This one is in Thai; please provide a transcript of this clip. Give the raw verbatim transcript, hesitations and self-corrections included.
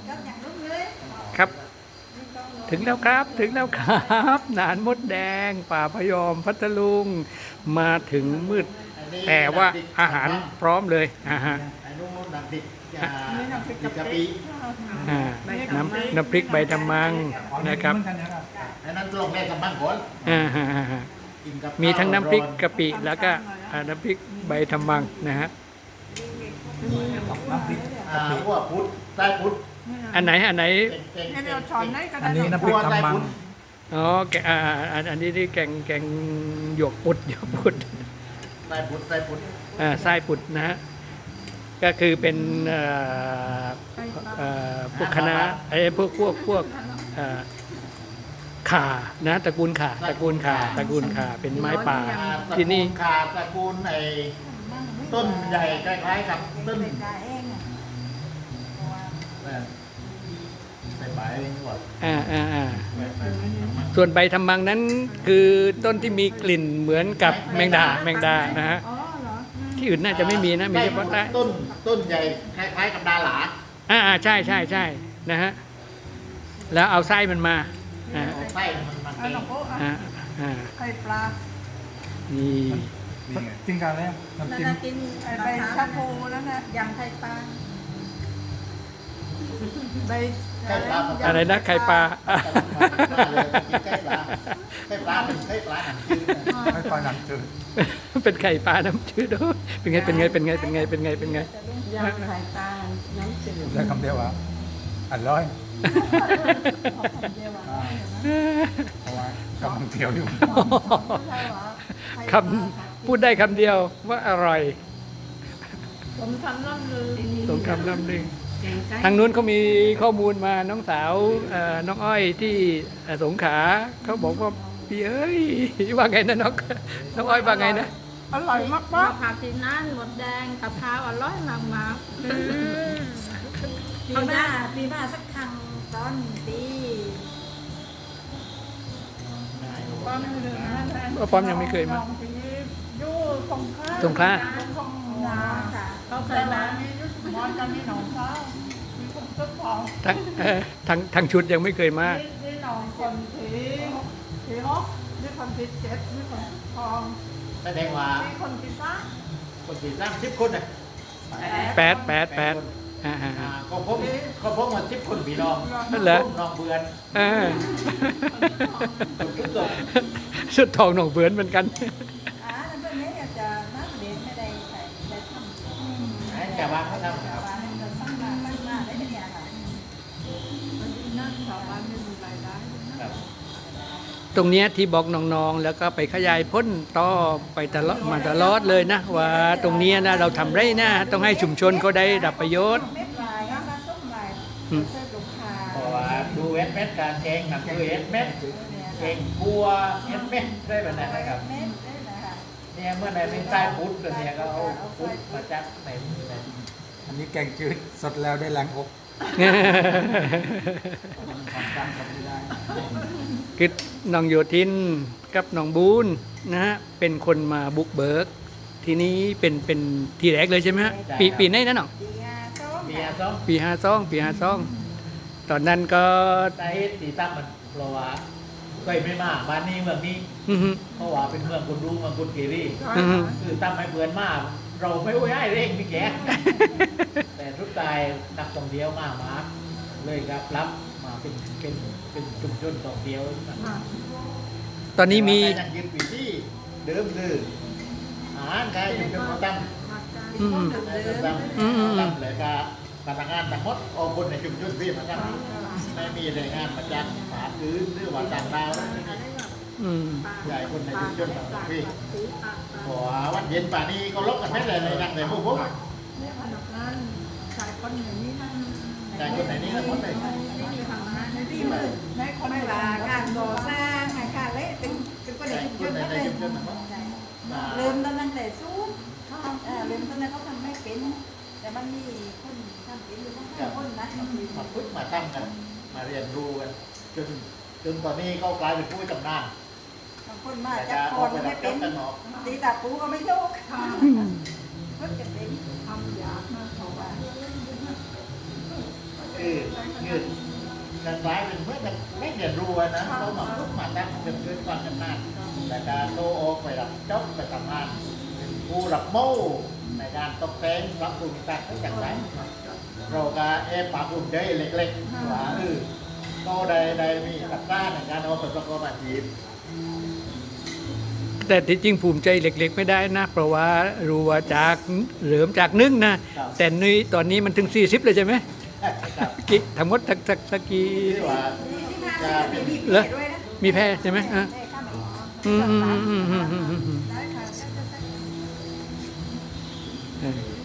ครับถึงแล้วครับถึงแล้วครับหนานมดแดงป่าพยอมพัทลุงมาถึงมืดแต่ว่าอาหารพร้อมเลยอ่าฮะไอ้นู่นน้ำพริกอ่าน้ำพริกกะปิอ่าน้ำน้ำพริกใบทำมังนะครับไอ้นั่นลงแม่กับบ้านก่อนอ่าฮะฮะฮะกินกับมีทั้งน้ำพริกกะปิแล้วก็อ่าน้ำพริกใบทำมังนะฮะน้ำพริกอ่าพวกพุทธใต้พุทธอันไหนอันไหนเก่งๆให้เก่เรางช้อนได้ก็อัได้นนี้น้ำพริกทำมังอ๋อแกอ่าอันอันนี้นี่แกงแกงหยวกปุดหยวกปุดใต้พุทธใต้พุทธอ่าไส้ปุดนะฮะก็คือเป็นเอ่อเอ่อพวกคณะไอ้พวกพวกพวกเอ่อข่านะตระกูลข่าตระกูลข่าตระกูลข่าเป็นไม้ป่าอ่าตระที่กูนี่ลขาตระกูลไอ้ต้นใหญ่คล้ายๆกับต้นเออใส่ใบก่อนอ่าอ่าอ่าใส่ใบส่วนใบทำมังนั้นคือต้นที่มีกลิ่นเหมือนกับแมงดาแมงดานะฮะอ๋อเหรอที่อื่นน่าจะไม่มีนะมีเฉพาะใต้ต้นต้นใหญ่คล้ายๆกับดาหลาอ่าอ่าใช่ใช่ใช่นะฮะแล้วเอาไส้มันมาอ่าเอาไส้มันมันเอาหลวงพ่ออ่าอ่าไข่ปลานี่กินกันแล้วน้ำจิ้มกินไอ้ใบชะพูนั่นนะยำไข่ปลาใบไข่ปลาอะไรนะไข่ปลาไข่ปลาไข่ปลาเป็นไข่ปลาหนังจืดไม่ปลาหนังจืดเป็นไข่ปลาน้ำจืดด้วยเป็นไงเป็นไงเป็นไงเป็นไงเป็นไงเป็นไงยำไข่ปลาน้ำจืดได้คำเดียวว่าอร่อยเดียวอ่ะเพราะว่ากำลังเที่ยวอยู่คำพูดได้คำเดียวว่าอร่อยผมทำน้ำลือตรงคำน้ำหนึ่งทางนู้นเขามีข้อมูลมาน้องสาวเอ่อน้องอ้อยที่เอ่อสงขลาเขาบอกว่าพี่เอ้ยว่าไงนะน้องน้องอ้อยว่าไงนะอร่อยมากมะมากพร้าวที่นั่นหมดแดงกับพร้าวอร่อยมากมากปีหน้าปีหน้าสักครั้งตอนปีป้อมหนึ่งนะว่าป้อมยังไม่เคยมายู่สงขลาสงขลาสงขลาค่ะเขาเคยมามียุทธมอนกันมีหนองเท้ามีคนต้นทองทั้งเอ่อทั้งทั้งชุดยังไม่เคยมามีมีหนองคนผีผีฮอกมีคนผีเจ็ดมีคนทองแสดงว่ามีคนผีฟ้าคนสี่สามสิบคนน่ะแปดแปดแปดอ่าอ่าก็พบก็พบมาสิบคนพี่น้องนั่นเหรอน้องเบือนเออคนทุกคนชุดทองหนองเบือนเหมือนกันอ่าแล้วเพื่อนนี้อยากจะนักเรียนไม่ได้ใส่ได้ทำให้แต่ว่าเขาทำแต่ว่าให้เราตั้งมาตั้งมาได้เป็นอย่างไรนั่นชาวบ้านไม่มีรายได้ครับตรงเนี้ยที่บอกน้องๆ แล้วก็ไปขยายพ้นต่อไปตลอดมาตลอดเลยนะ ว่าตรงเนี้ยนะเราทำไรนะต้องให้ชุมชนเขาได้รับประโยชน์เม็ดลายการส้มลายเสื้อลูกค้าเพราะว่าดูเอสเม็ดการแกงหนักดูเอสเม็ดแกงบัวเอสเม็ดได้แบบนั้นนะครับเม็ดได้นะคะเนี่ยเมื่อไหร่เป็นใต้พุทธกันเนี่ยก็เอาพุทธมาจัดไหนไหนอันนี้แกงจืดสดแล้วได้แรงอกความจำจำไม่ได้คือน้องโยธินกับน้องบูนนะฮะเป็นคนมาบุกเบิก ทีนี้เป็นเป็นทีแรกเลยใช่ไหมฮะปีปีไหนนะน้องดีงาส้มเบียร์ซ้อมปีห้าซองปีห้าซองตอนนั้นก็ใต้ตีตั้มมันเพราะว่าเคยไม่มาบ้านนี้เมืองนี้อื้อหือเพราะว่าเป็นเมืองคนรู้เมืองคนเกรีอืมคือตั้มให้เบือนมากเราไม่ไหวให้เร่งพี่แก แต่ทุกทายนักท่องเที่ยวมากมาเลยครับรับมาเป็นเป็นเป็นชุมชนท่องเที่ยวตอนนี้มีแต่ว่ายังยึดวิธีเดิมคืออาหารใครชุมชนเขาตั้มอืมตั้มอืมตั้มเลยก็พนักงานทั้งหมดเอาคนในชุมชนพี่มาตั้งไม่มีแรงงานมาจ้างหาซื้อหรือว่าต่างดาวไม่มีอืมใหญ่คนในชุมชนแบบพี่ขอวันเย็นป่านนี้ก็ลบกันไม่เลยในนั่งในพวกผมเนี่ยพนักงานชายคนอย่างนี้นั่นใหญ่คนไหนนี่ทั้งหมดเลยไม่มีทำงานในที่ที่มืมืดดในคนไม่ไม่ว่าลาการก่อสร้างงานการเละเป็นเป็นคนในใหญ่ชุมคชนนในนั่นในเลยชุมชนทั้งหมดเริ่มตอนนั้นแต่สู้เออเริ่มตอนนั้นเขาทำไม่เป็น แต่มันมีคนทำเป็นอยู่ทั้งห้าคนนะมาพึ่งมาตั้งกัน มาเรียนรู้กันจนจนตอนนี้ก็กลายเป็นผู้ตำนานบางคนมาแต่จากจะคเอานไปไม่รับเป็จ้าน งกันเนาะตีตาปูก็ไม่โยกคนจะเป็นทำยากนะเขาว่าคือยืดกันกลายเป็นเพื่อนกันไม่เรียนรู้อะนะเราหมักลุกหมักตั้งเป็นเกินความชำนาญแต่การโตออกไปรับจ็อบไปทำงานเป็นผู้รับโม่ในการตกแต่งปรับปรุงต่างๆอย่างไรเราก็เอฟปรับปรุงใจเล็กๆว่าเออก็ได้ได้มีตัดต้านในการเอาไปประกอบอาชีพแต่ที่จริงภูมิใจเล็กๆไม่ได้นะ เพราะว่ารู้ว่าจากเหลือมจากนึ่งนะครับแต่นี่ตอนนี้มันถึงสี่สิบเลยใช่ไหมครับกี่ทั้งหมดสักสักสักกี่ที่ว่าจะมีมีเหรอด้วยนะมีแพร่ใช่ไหมอ่ะใช่ค่ะอืมอืมอืมอืมอืมอืมได้ค่ะได้ได้ได้เออ